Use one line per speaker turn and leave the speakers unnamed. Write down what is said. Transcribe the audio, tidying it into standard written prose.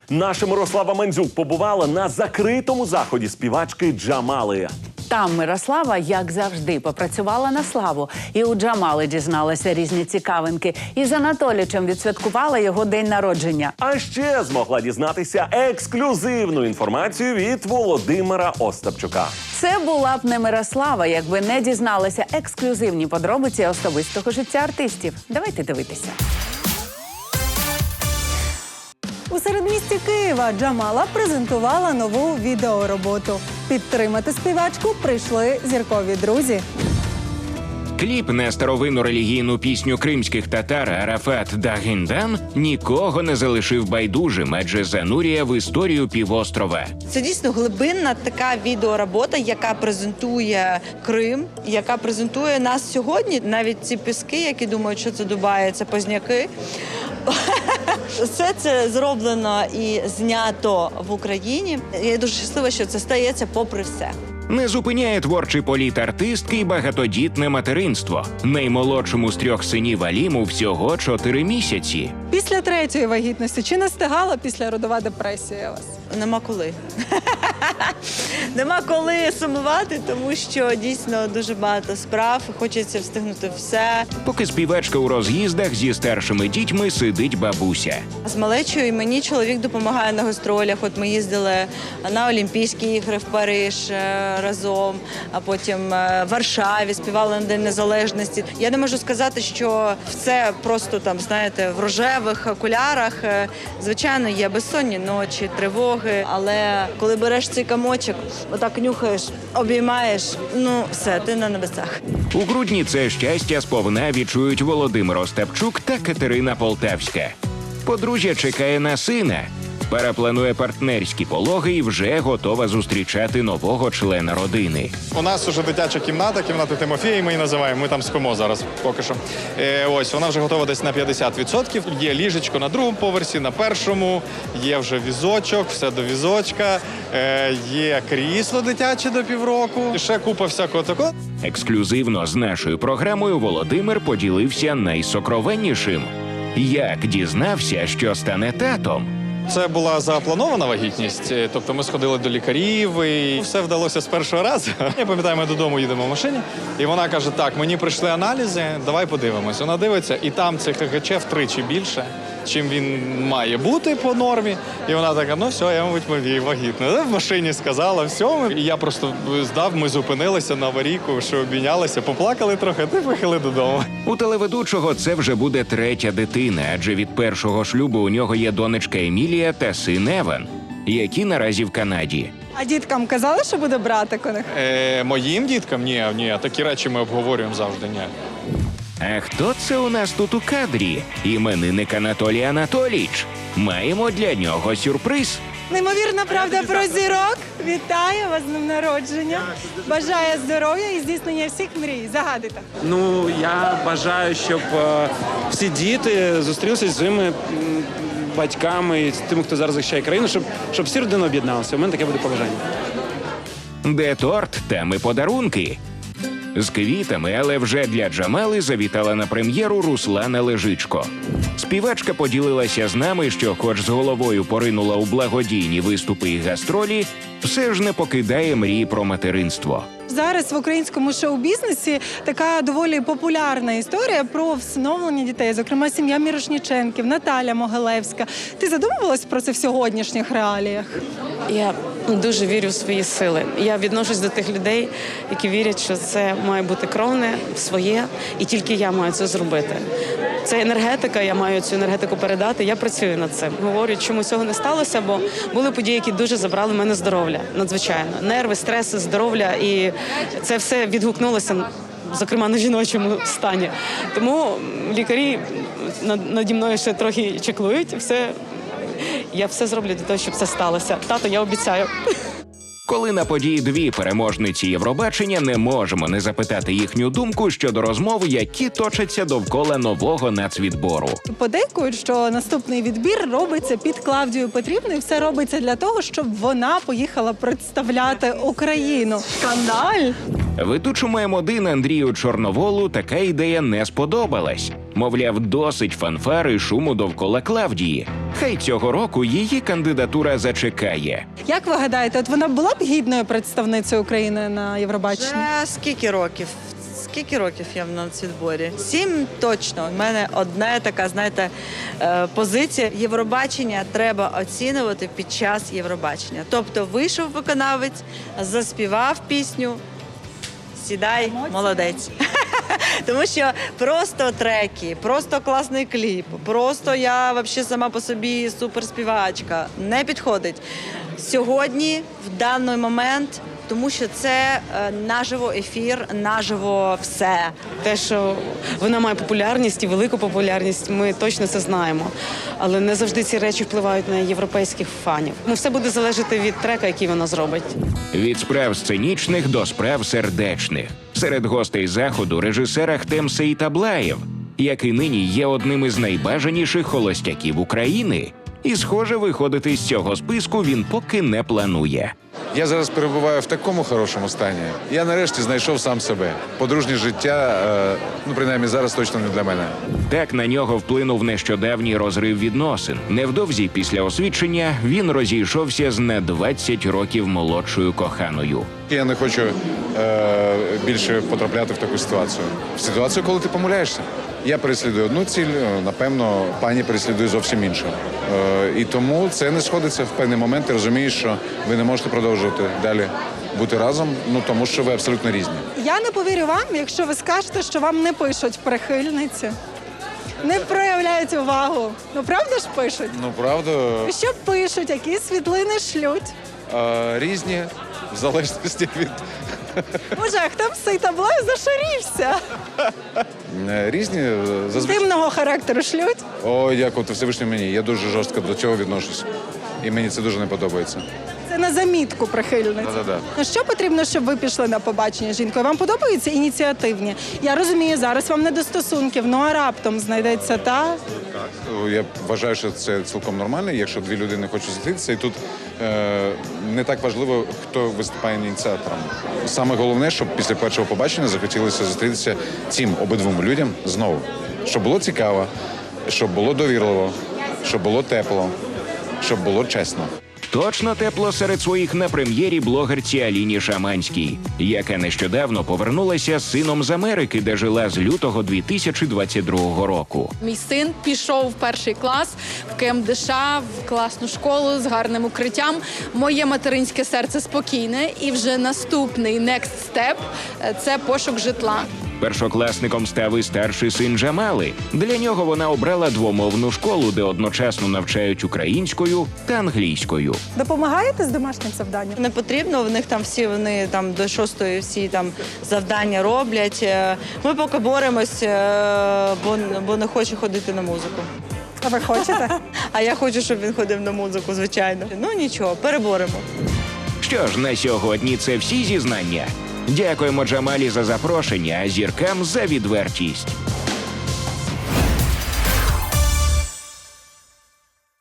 Наша Мирослава Мандзюк побувала на закритому заході співачки Джамали.
Там Мирослава, як завжди, попрацювала на славу. І у Джамали дізналася різні цікавинки. І з Анатолічем відсвяткувала його день народження.
А ще змогла дізнатися ексклюзивну інформацію від Володимира Остапчука.
Це була б не Мирослава, якби не дізналася ексклюзивні подробиці особистого життя артистів. Давайте дивитися.
У середмісті Києва Джамала презентувала нову відеороботу. Підтримати співачку прийшли зіркові друзі.
Кліп на старовинну релігійну пісню кримських татар «Арафат Дагіндан» нікого не залишив байдужим, адже занурює в історію півострова.
Це дійсно глибинна така відеоробота, яка презентує Крим, яка презентує нас сьогодні. Навіть ці піски, які думають, що це Дубай, це Позняки. Все це зроблено і знято в Україні. Я дуже щаслива, що це стається попри все.
Не зупиняє творчий політ артистки й багатодітне материнство. Наймолодшому з 3 синів Аліму всього 4 місяці.
Після 3-ї вагітності чи не стигала післяродова депресія вас?
Нема коли. Нема коли сумувати, тому що дійсно дуже багато справ, хочеться встигнути все.
Поки співачка у роз'їздах зі старшими дітьми сидить бабуся.
З малечою і мені чоловік допомагає на гастролях. От ми їздили на Олімпійські ігри в Париж разом, а потім в Варшаві співали на День Незалежності. Я не можу сказати, що все просто там, знаєте, в рожевих окулярах. Звичайно, є безсонні ночі, тривоги, але коли береш цей комочок, отак нюхаєш, обіймаєш, ну все, ти на небесах.
У грудні це щастя сповна відчують Володимир Остапчук та Катерина Полтавська. Подружжя чекає на сина. Пара планує партнерські пологи і вже готова зустрічати нового члена родини.
У нас вже дитяча кімната Тимофія, ми її називаємо, ми там спимо зараз поки що. Ось, вона вже готова десь на 50%. Є ліжечко на 2-му поверсі, на 1-му, є вже візочок, все до візочка, є крісло дитяче до півроку, і ще купа всякого такого.
Ексклюзивно з нашою програмою Володимир поділився найсокровеннішим. Як дізнався, що стане татом?
Це була запланована вагітність, тобто ми сходили до лікарів і все вдалося з першого разу. Я пам'ятаю, ми додому їдемо в машині, і вона каже, так, мені прийшли аналізи, давай подивимось. Вона дивиться, і там це ХГЧ втричі більше, чим він має бути по нормі. І вона така, ну все, я, мабуть, вагітна. В машині сказала, все. І я просто здав, ми зупинилися на аварійку, що обійнялися, поплакали трохи, ти поїхали додому.
У телеведучого це вже буде 3-я дитина, адже від першого шлюбу у нього є донечка Емілія та син Еван, які наразі в Канаді.
А діткам казали, що буде братик у них?
Моїм діткам? Ні, такі речі ми обговорюємо завжди, ні.
А хто це у нас тут у кадрі? Іменинник Анатолій Анатолійович. Маємо для нього сюрприз.
Неймовірна правда про зірок. Вітаю вас з днем народження. Бажаю здоров'я і здійснення всіх мрій. Загадуйте.
Ну, я бажаю, щоб всі діти зустрілися зі своїми батьками і з тими, хто зараз захищає країну, щоб всі родини об'єдналися. У мене таке буде побажання.
Де торт, там і подарунки. З квітами, але вже для Джамали завітала на прем'єру Руслана Лежичко. Співачка поділилася з нами, що хоч з головою поринула у благодійні виступи і гастролі, все ж не покидає мрії про материнство.
Зараз в українському шоу-бізнесі така доволі популярна історія про всиновлення дітей, зокрема сім'я Мірошніченків, Наталя Могилевська. Ти задумувалась про це в сьогоднішніх реаліях?
Я дуже вірю в свої сили. Я відношусь до тих людей, які вірять, що це має бути кровне, своє, і тільки я маю це зробити. Це енергетика, я маю цю енергетику передати, я працюю над цим. Говорю, чому цього не сталося, бо були події, які дуже забрали в мене здоров'я, надзвичайно. Нерви, стреси, здоров'я, і це все відгукнулося, зокрема, на жіночому стані. Тому лікарі наді мною ще трохи чеклують, я все зроблю для того, щоб це сталося. Тато, я обіцяю.
Коли на події 2 переможниці Євробачення, не можемо не запитати їхню думку щодо розмов, які точаться довкола нового нацвідбору.
Подейкують, що наступний відбір робиться під Клавдію Петрівну, і все робиться для того, щоб вона поїхала представляти Україну. Скандаль!
Ведучому М1 Андрію Чорноволу така ідея не сподобалась. Мовляв, досить фанфар і шуму довкола Клавдії. Хай цього року її кандидатура зачекає.
Як ви гадаєте, от вона була б гідною представницею України на Євробаченні?
Вже скільки років? Скільки років я в нацвідборі? 7 точно. У мене одна така, знаєте, позиція. Євробачення треба оцінювати під час Євробачення. Тобто вийшов виконавець, заспівав пісню, сідай, молодець. Тому що просто треки, просто класний кліп, просто я взагалі сама по собі суперспівачка не підходить. Сьогодні, в даний момент, тому що це наживо ефір, наживо все.
Те, що вона має популярність і велику популярність, ми точно це знаємо. Але не завжди ці речі впливають на європейських фанів. Все буде залежати від трека, який вона зробить.
Від справ сценічних до справ сердечних. Серед гостей заходу режисер Ахтем Сейтаблаєв, який нині є одним із найбажаніших холостяків України. І, схоже, виходити з цього списку він поки не планує.
Я зараз перебуваю в такому хорошому стані. Я нарешті знайшов сам себе. Подружнє життя, принаймні зараз точно не для мене.
Так на нього вплинув нещодавній розрив відносин. Невдовзі після освідчення він розійшовся з на 20 років молодшою коханою.
Я не хочу більше потрапляти в таку ситуацію. В ситуацію, коли ти помиляєшся. Я переслідую одну ціль, напевно, пані переслідує зовсім іншу. І тому це не сходиться в певний момент. Ти розумієш, що ви не можете продовжувати далі бути разом, тому що ви абсолютно різні.
Я не повірю вам, якщо ви скажете, що вам не пишуть прихильниці, не проявляють увагу. Правда ж пишуть?
Правда.
Що пишуть, які світлини шлють?
Різні, в залежності від...
Боже, Ахтем Сейтаблаєв зашарівся.
Різні, зазвичай.
Дивного характеру шлють.
О, дякую, Всевишній мені. Я дуже жорстко до цього відношусь. І мені це дуже не подобається.
Це на замітку прихильниць.
Да.
Що потрібно, щоб ви пішли на побачення з жінкою? Вам подобаються ініціативні? Я розумію, зараз вам не до стосунків, а раптом знайдеться та...
Я вважаю, що це цілком нормально, якщо дві людини хочуть зустрітися. І тут не так важливо, хто виступає ініціатором. Саме головне, щоб після першого побачення захотілося зустрітися цим обидвом людям знову. Щоб було цікаво, щоб було довірливо, щоб було тепло, щоб було чесно.
Точно тепло серед своїх на прем'єрі блогерці Аліні Шаманській, яка нещодавно повернулася з сином з Америки, де жила з лютого 2022 року.
Мій син пішов в перший клас в КМДШ, в класну школу з гарним укриттям. Моє материнське серце спокійне, і вже наступний next step – це пошук житла.
Першокласником став і старший син Джамали. Для нього вона обрала двомовну школу, де одночасно навчають українською та англійською.
Допомагаєте з домашнім завданням?
Не потрібно, в них там всі, вони там до 6-ї всі там завдання роблять. Ми поки боремось, бо не хоче ходити на музику.
А ви хочете?
А я хочу, щоб він ходив на музику, звичайно. Нічого, переборемо.
Що ж, на сьогодні це всі зізнання. Дякуємо Джамалі за запрошення, а зіркам за відвертість.